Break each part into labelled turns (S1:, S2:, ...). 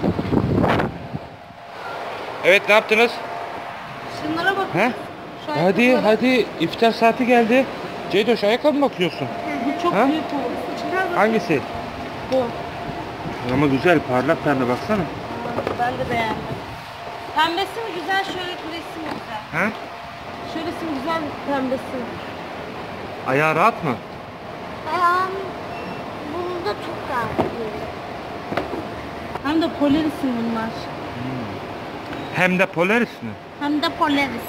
S1: Evet, ne yaptınız?
S2: Şunlara bak.
S1: He? Hadi iftar saati geldi. Ceydoş, ayakkabı mı bakıyorsun?
S2: Bu çok
S1: Ha?
S2: büyük oldu. Çıkar bak.
S1: Hangisi?
S2: Bu.
S1: Ama güzel, parlak pembe, baksana.
S2: Ben de beğendim. Pembesi mi güzel, şöyle küresi mi güzel?
S1: Ha?
S2: Şöylesi mi güzel, pembesi mi?
S1: Ayağı rahat mı?
S3: Bunda çok rahat.
S2: Hem de Polaris'in bunlar.
S1: Hem de Polaris mi?
S2: Hem de Polaris.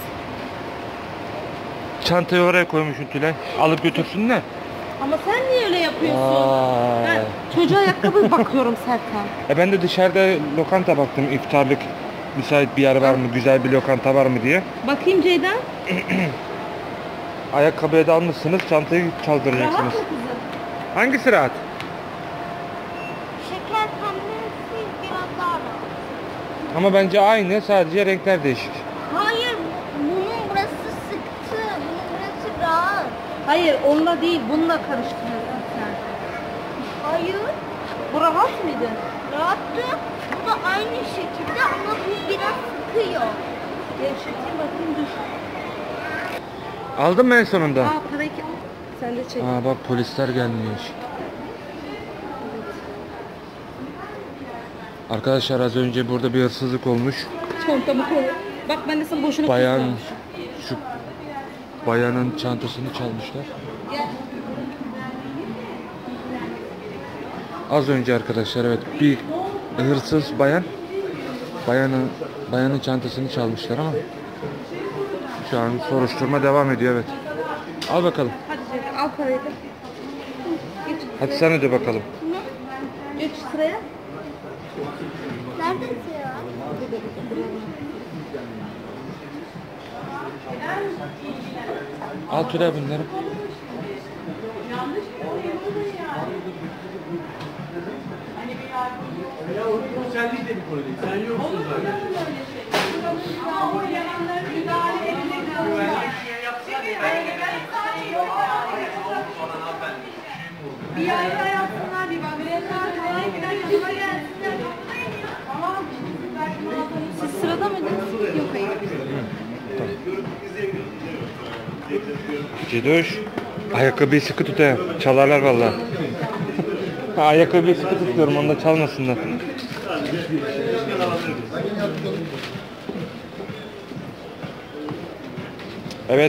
S1: Çantayı oraya koymuşsun Tülay. Alıp götürsün de.
S2: Ama sen niye öyle yapıyorsun?
S1: Vay.
S2: Ben çocuğa ayakkabı bakıyorum Serkan.
S1: Ben de dışarıda lokanta baktım, iftarlık müsait bir yer var mı, güzel bir lokanta var mı diye.
S2: Bakayım Ceyda.
S1: Ayakkabıya da almışsınız, çantayı
S2: Rahat
S1: çaldıracaksınız.
S2: mı kızım?
S1: Hangisi rahat?
S3: Şeker pembesi biraz daha rahat.
S1: Ama bence aynı, sadece renkler değişik.
S3: Hayır, bunun burası sıktı. Bunun burası rahat.
S2: Hayır, onunla değil, bununla karıştırıyorsun sen.
S3: Hayır,
S2: Bu rahat mıydı?
S3: rahattı. Bu da aynı şekilde ama bu biraz sıkıyor.
S2: Gevşeteyim bakayım, dur.
S1: Aldın mı en sonunda?
S2: Aa, parayı sen de çek.
S1: Aa bak, polisler gelmiş. Arkadaşlar, az önce burada bir hırsızlık olmuş.
S2: Çantamı koy. Bak ben de sana boşuna
S1: Bayan,
S2: kızmamışım.
S1: şu bayanın çantasını çalmışlar.
S2: Gel.
S1: Az önce arkadaşlar, evet, bir hırsız bayanın çantasını çalmışlar ama şu an soruşturma devam ediyor, evet. Al bakalım.
S2: Hadi Ceyda, al parayı da. Geç
S1: Hadi
S2: sıraya.
S1: sen öde bakalım.
S2: Geç sıraya.
S3: Neredesin ya?
S1: Al Tülay bunları.
S4: Sen değil de bir konu değil. Sen yoksun zaten.
S5: Bir ayda yapsınlar, bir bakıyorlar, yanıma gelsinler. Tamam.
S2: Siz sırada mıydınız? Yok, hayır.
S1: Cedoş, ayakkabıyı sıkı tut he. Çalarlar vallahi. Ayakkabıyı sıkı tutuyorum, onu da çalmasınlar. Evet.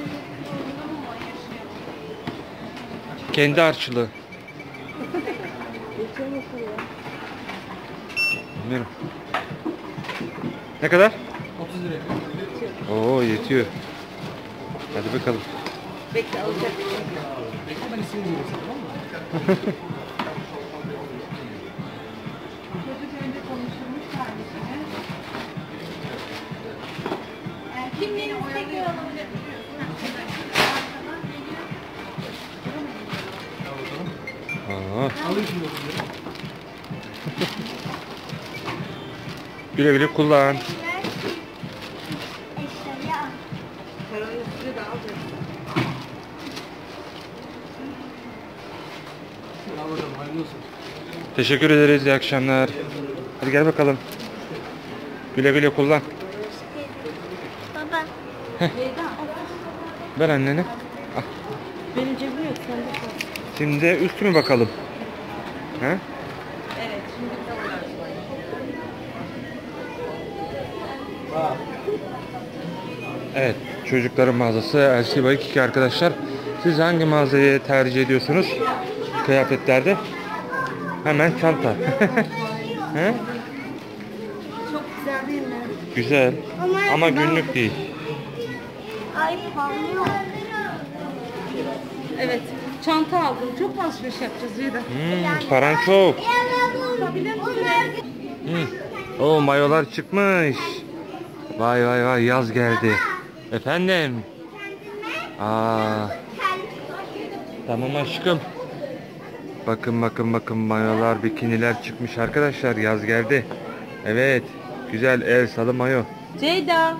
S1: Kendi harçlığı. Bilmiyorum. Ne kadar?
S4: 30 lira.
S1: Oo, yetiyor. Hadi bakalım.
S2: Bekle, alacak.
S4: Bekle, ben ismini vereyim, tamam mı?
S5: Çocuk önce konuşulmuş kardeşine. Kimliğini tekrar alabilir
S1: Aa,
S4: Alayım şimdi 30 lira.
S1: güle güle kullan.
S3: Eşyayı al.
S2: Paranın üstüne de alacaksın.
S4: Al bakalım, hayırlı olsun.
S1: Teşekkür ederiz. İyi akşamlar. Hadi gel bakalım. Güle güle kullan.
S3: Baba.
S2: Ceyda,
S1: Ver annene. Al.
S2: benim cebim yok, sende kal.
S1: Şimdi üstümü bakalım. He?
S2: Evet, şimdi de uğraşmayın.
S1: Evet. Çocukların mağazası LC Bike 2 arkadaşlar. Siz hangi mağazayı tercih ediyorsunuz? Kıyafetlerde. Hemen çanta. He?
S2: Çok güzel değil mi?
S1: Güzel. Ama günlük değil.
S3: Ay parlıyor.
S2: Evet, çanta aldım. Çok mu alışveriş yapacağız Ceyda?
S1: Paran çok.
S2: Tutabilir misin?
S1: O mayolar çıkmış. Vay vay vay, yaz geldi. Efendim. Aa. Tamam aşkım. Bakın mayolar, bikiniler çıkmış arkadaşlar. Yaz geldi. Evet. Güzel el salı mayo.
S2: Ceyda.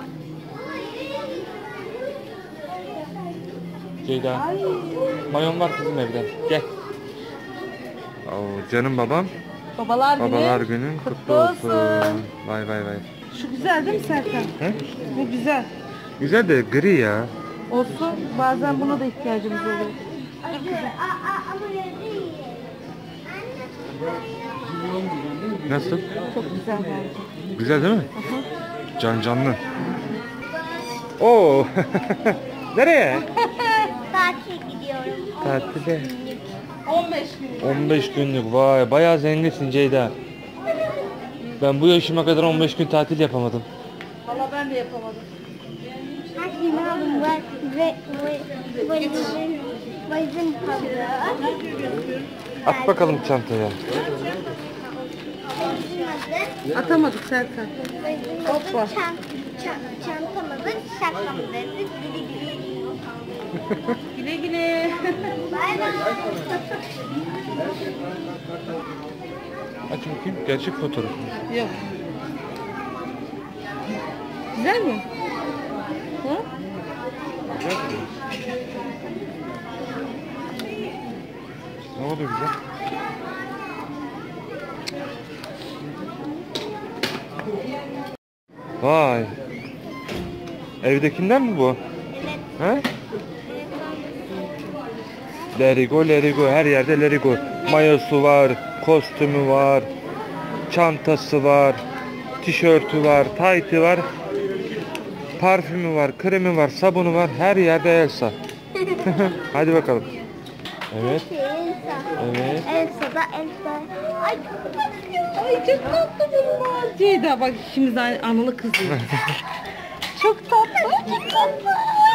S1: Ceyda. Mayon var kızım evde. Gel. Oo, canım babam.
S2: Babalar günü.
S1: günün kutlu olsun. Vay vay vay.
S2: Şu güzel değil mi Serkan?
S1: He?
S2: Bu güzel.
S1: Güzel de gri ya.
S2: Olsun. Bazen buna da ihtiyacımız oluyor.
S3: Ama öyle değil.
S1: Nasıl?
S2: Çok güzel bence.
S1: Güzel değil mi? Can canlı. Oo. Nereye?
S3: Tatil gidiyorum.
S1: Tatile.
S2: 15 gün.
S1: 15 günlük. Vay bayağı zenginsin Ceyda. Ben bu yaşıma kadar 15 gün tatil yapamadım.
S2: Valla ben de yapamadım.
S3: Her şeyimi aldım. Valizin tadı.
S1: At bakalım çantaya.
S2: Atamadık Serkan. Hoppa.
S3: Çantamızı şakamızı
S2: Güle güle.
S3: Bay bay.
S1: Aç bakayım. Gerçek fotoğraf.
S2: Yok. Güzel mi? Hı?
S1: Ne oldu güzel? Vay. Evdekinden mi bu? He? Lerigo, Lerigo. Her yerde Lerigo. Mayosu var, kostümü var, çantası var, tişörtü var, taytı var, parfümü var, kremi var, sabunu var. Her yerde Elsa. Hadi bakalım. Evet. Evet.
S3: Elsa da Elsa. Ay çok tatlı.
S2: Ay çok tatlı bunlar. Ceyda bak ikimiz aynı analı kızıyız. Çok tatlı. Çok tatlı.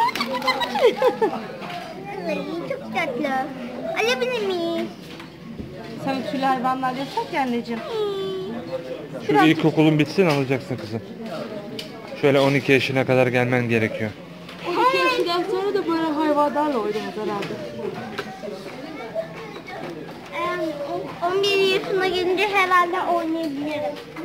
S3: Ay, çok tatlı. Alabilir miyiz?
S2: Sana tüylü hayvanlar yasak ya anneciğim.
S1: Şu ilkokulun bitsin alacaksın kızım. Şöyle 12 yaşına kadar gelmen gerekiyor.
S2: 12 yaşından sonra da böyle hayvanlarla oynamaz herhalde.
S3: 11 yaşına gelince herhalde oynayabilirim.